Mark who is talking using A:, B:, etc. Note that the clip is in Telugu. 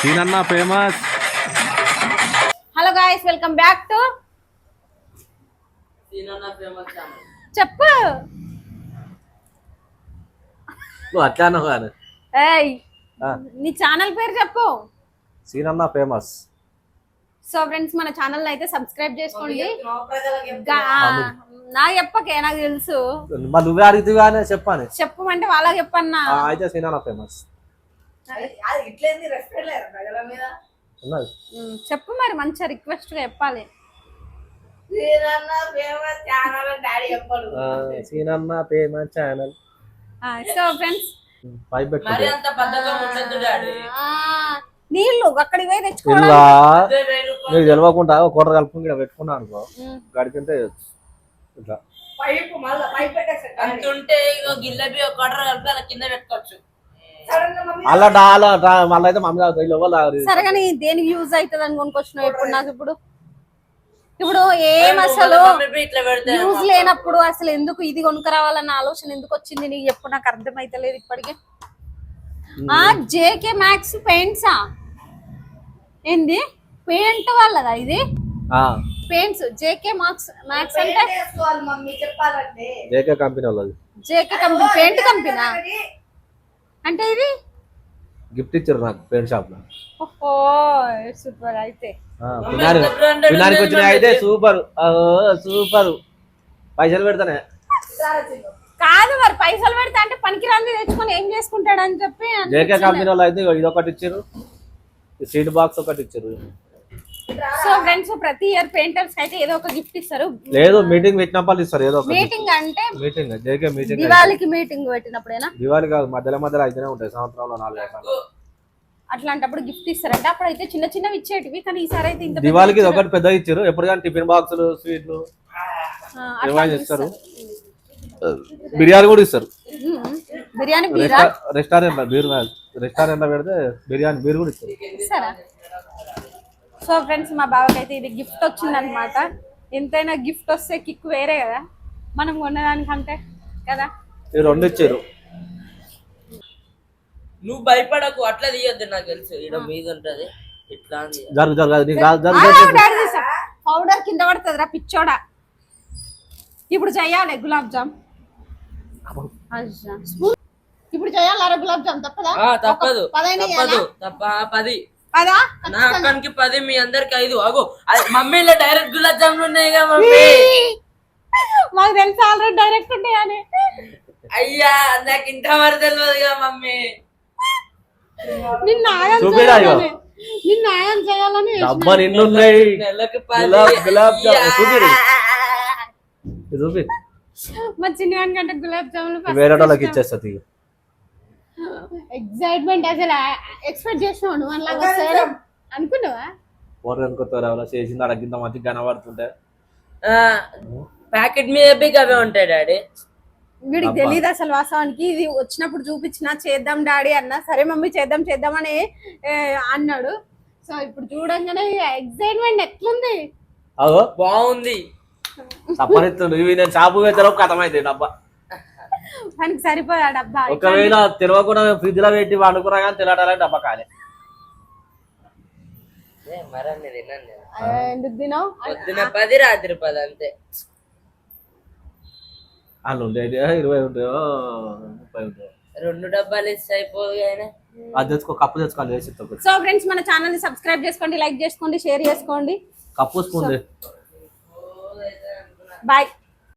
A: సీనన్న famous.
B: Hello guys, welcome back to
C: Seenanna famous channel.
B: చెప్పు.
A: నువ్వు అట్లానో కానీ
B: ఏయ్, నీ ఛానల్ పేరు చెప్పు.
A: సీనన్న ఫేమస్.
B: సో ఫ్రెండ్స్, మన ఛానల్ అయితే సబ్స్క్రైబ్ చేసుకోండి. నా చెప్పకే, నాకు తెలుసు.
A: మరి నువ్వే అడిగితే కానీ చెప్పాను.
B: చెప్పమంటే వాళ్ళకి చెప్పన్నా.
A: అయితే సీనన్న ఫేమస్
B: చెప్పు మరి, మంచిగా రిక్వెస్ట్ గా చెప్పాలి.
A: సీనన్న ఫేమస్ ఛానల్.
B: సో ఫ్రెండ్స్,
C: మరి అంత బద్ధకం ఉండదు డాడీ.
B: నీళ్ళు అక్కడికి పోయి తెచ్చుకోవాలి.
A: ఇలా నీకు తెలియకుండా ఒక కూర కలుపుకుని ఇక్కడ పెట్టుకున్నా అనుకో, గడికింటే ఇట్లా
C: అంతుంటే ఇగో గిల్లబి ఒక ఆర్డర్ కలిపి అలా కింద పెట్టుకోవచ్చు.
A: అలా మళ్ళీ అయితే మమ్మీ తాగుతాయి.
B: సరే కానీ దేనికి యూజ్ అవుతుంది అని కొనుక్కొచ్చినావు ఇప్పుడు నాకు. ఇప్పుడు ఏం అసలు
C: ఇట్లా పెడితే
B: యూజ్ లేనప్పుడు అసలు ఎందుకు ఇది కొనుక్కరావాలన్న ఆలోచన ఎందుకు వచ్చింది నీకు? ఎప్పుడు నాకు అర్థమైతలేదు ఇప్పటికే. జేకే మ్యాక్స్ పెయింట్సా? ఏంది పెయింట్ వాళ్ళదా ఇది? పెయింట్స్ జేకే మ్యాక్స్ అంటే
A: జేకే కంపెనీ వాళ్ళది.
B: జేకే కంపెనీ పెయింట్ కంపెనీ అంటే ఇది
A: గిఫ్ట్ ఇచ్చారు నాకు పెయింట్ షాప్ లో.
B: ఓహో సూపర్. అయితే
A: వినానికి వచ్చిన అయితే సూపర్ సూపర్. పైసలు పెడతానే
B: కాదు మరి, పైసలు పెడతా అంటే పనికిరాంది తెచ్చుకొని ఏం చేసుకుంటాడు అని చెప్పి.
A: జేకే కంపెనీ వాళ్ళు అయితే ఇది ఒకటి ఇచ్చారు, సీట్ బాక్స్ ఒకటి ఇచ్చారు.
B: సో ఫ్రెండ్స్, ప్రతి ఇయర్ పెయింటర్స్ అయితే ఏదో ఒక గిఫ్ట్ ఇస్తారు.
A: లేదు మీటింగ్ పెట్టినప్పుడు ఇస్తారు ఏదో ఒక
B: మీటింగ్. అంటే
A: మీటింగ్ జేకే మీటింగ్
B: దివాళీకి మీటింగ్ పెట్టినప్పుడేనా?
A: దివాళీ కాదు, మధ్యలో అయితేనే ఉంటాయి సంవత్సరంలో 4 రకాలు.
B: అట్లాంటప్పుడు గిఫ్ట్ ఇస్తారంటే అప్పుడు అయితే చిన్న చిన్నవి ఇచ్చేటివి, కానీ ఈసారి అయితే ఇంత
A: దివాళీకి ఒకటి పెద్ద ఇచ్చారు. ఎప్పుడు కానీ టిఫిన్ బాక్సులు, స్వీట్లు ఇస్తారు. బిర్యానీ కూడా ఇస్తారు.
B: బిర్యానీ
A: రెస్టారెంట్ రెస్టారెంట్ లో పెడితే బిర్యానీ బీర్ కూడా ఇస్తారు.
B: సరే. సో ఫ్రెండ్స్, మా బావకి అయితే ఇది గిఫ్ట్ వచ్చింది అనమాట. ఎంతైనా గిఫ్ట్ వస్తే కిక్ వేరే కదా మనం కొనేదానికంటే కదా.
A: ఈ 2 ఇచ్చారు.
C: నువ్వు భయపడకు, అట్లా తీయొద్దు. నాకు తెలుసు ఇక్కడ మీద ఉంటది ఇట్లా.
B: పౌడర్ కింద పడుతుంది రా పిచ్చోడా. ఇప్పుడు చెయ్యాలి గులాబ్ జామ్. ఇప్పుడు చేయాలి గులాబ్ జామ్. తప్పదా?
C: తప్పదు తప్ప 10 నా అక్కనికి 10, మీ అందరికి 5. అగో మమ్మీలో డైరెక్ట్ గులాబ్ జాములు ఉన్నాయిగా మమ్మీ.
B: మాకు తెలుసు ఆల్రెడీ డైరెక్ట్ ఉంటాయని.
C: అయ్యా నాకు ఇంత మరి తెలియదుగా మమ్మీ.
B: నిన్న ఆయం చేయాలని
C: నెలకి
B: మా చిన్న కంటే గులాబ్ జాములు
A: వేరే వాళ్ళకి ఇచ్చేస్తుంది.
B: ఎక్సైట్మెంట్ అసలు ఎక్స్పెక్ట్ చేసినావు నువ్వు అలా అనుకున్నావా?
A: చేసింది అడగింత మంచిగా కనబడుతుంటే
C: ప్యాకెట్ మీద అవే ఉంటాయి డాడీ.
B: వీడికి తెలియదు అసలు వాస్తవానికి. ఇది వచ్చినప్పుడు చూపించిన చేద్దాం డాడీ అన్న. సరే మమ్మీ చేద్దామని అన్నాడు. సో ఇప్పుడు చూడంగానే ఎక్సైట్మెంట్ ఎట్లుంది.
C: బాగుంది.
A: నేను షాపు వేతలో కథమైంది డబ్బా.
B: దానికి సరిపోయా డబ్బా.
A: ఒకవేళ తెలియకుండా ఫ్రిడ్జ్ లో పెట్టి వండుకున్నా కానీ తినడాలి డబ్బా కాలే.
B: ఎందుకు తినావు?
C: పొద్దున 10 రాత్రి 10 అంతే.
A: వాళ్ళు ఉండేది 20 ఉంటాయో 30 ఉంటాయో.
C: 2 డబ్బాలు ఇస్తే అయిపోదు.
A: అది తెచ్చుకో, కప్పు తెచ్చుకోవాలి.
B: సో ఫ్రెండ్స్, మన ఛానల్ ని సబ్స్క్రైబ్ చేసుకోండి, లైక్ చేసుకోండి, షేర్ చేసుకోండి.
A: Cup spoon.
B: బాయ్.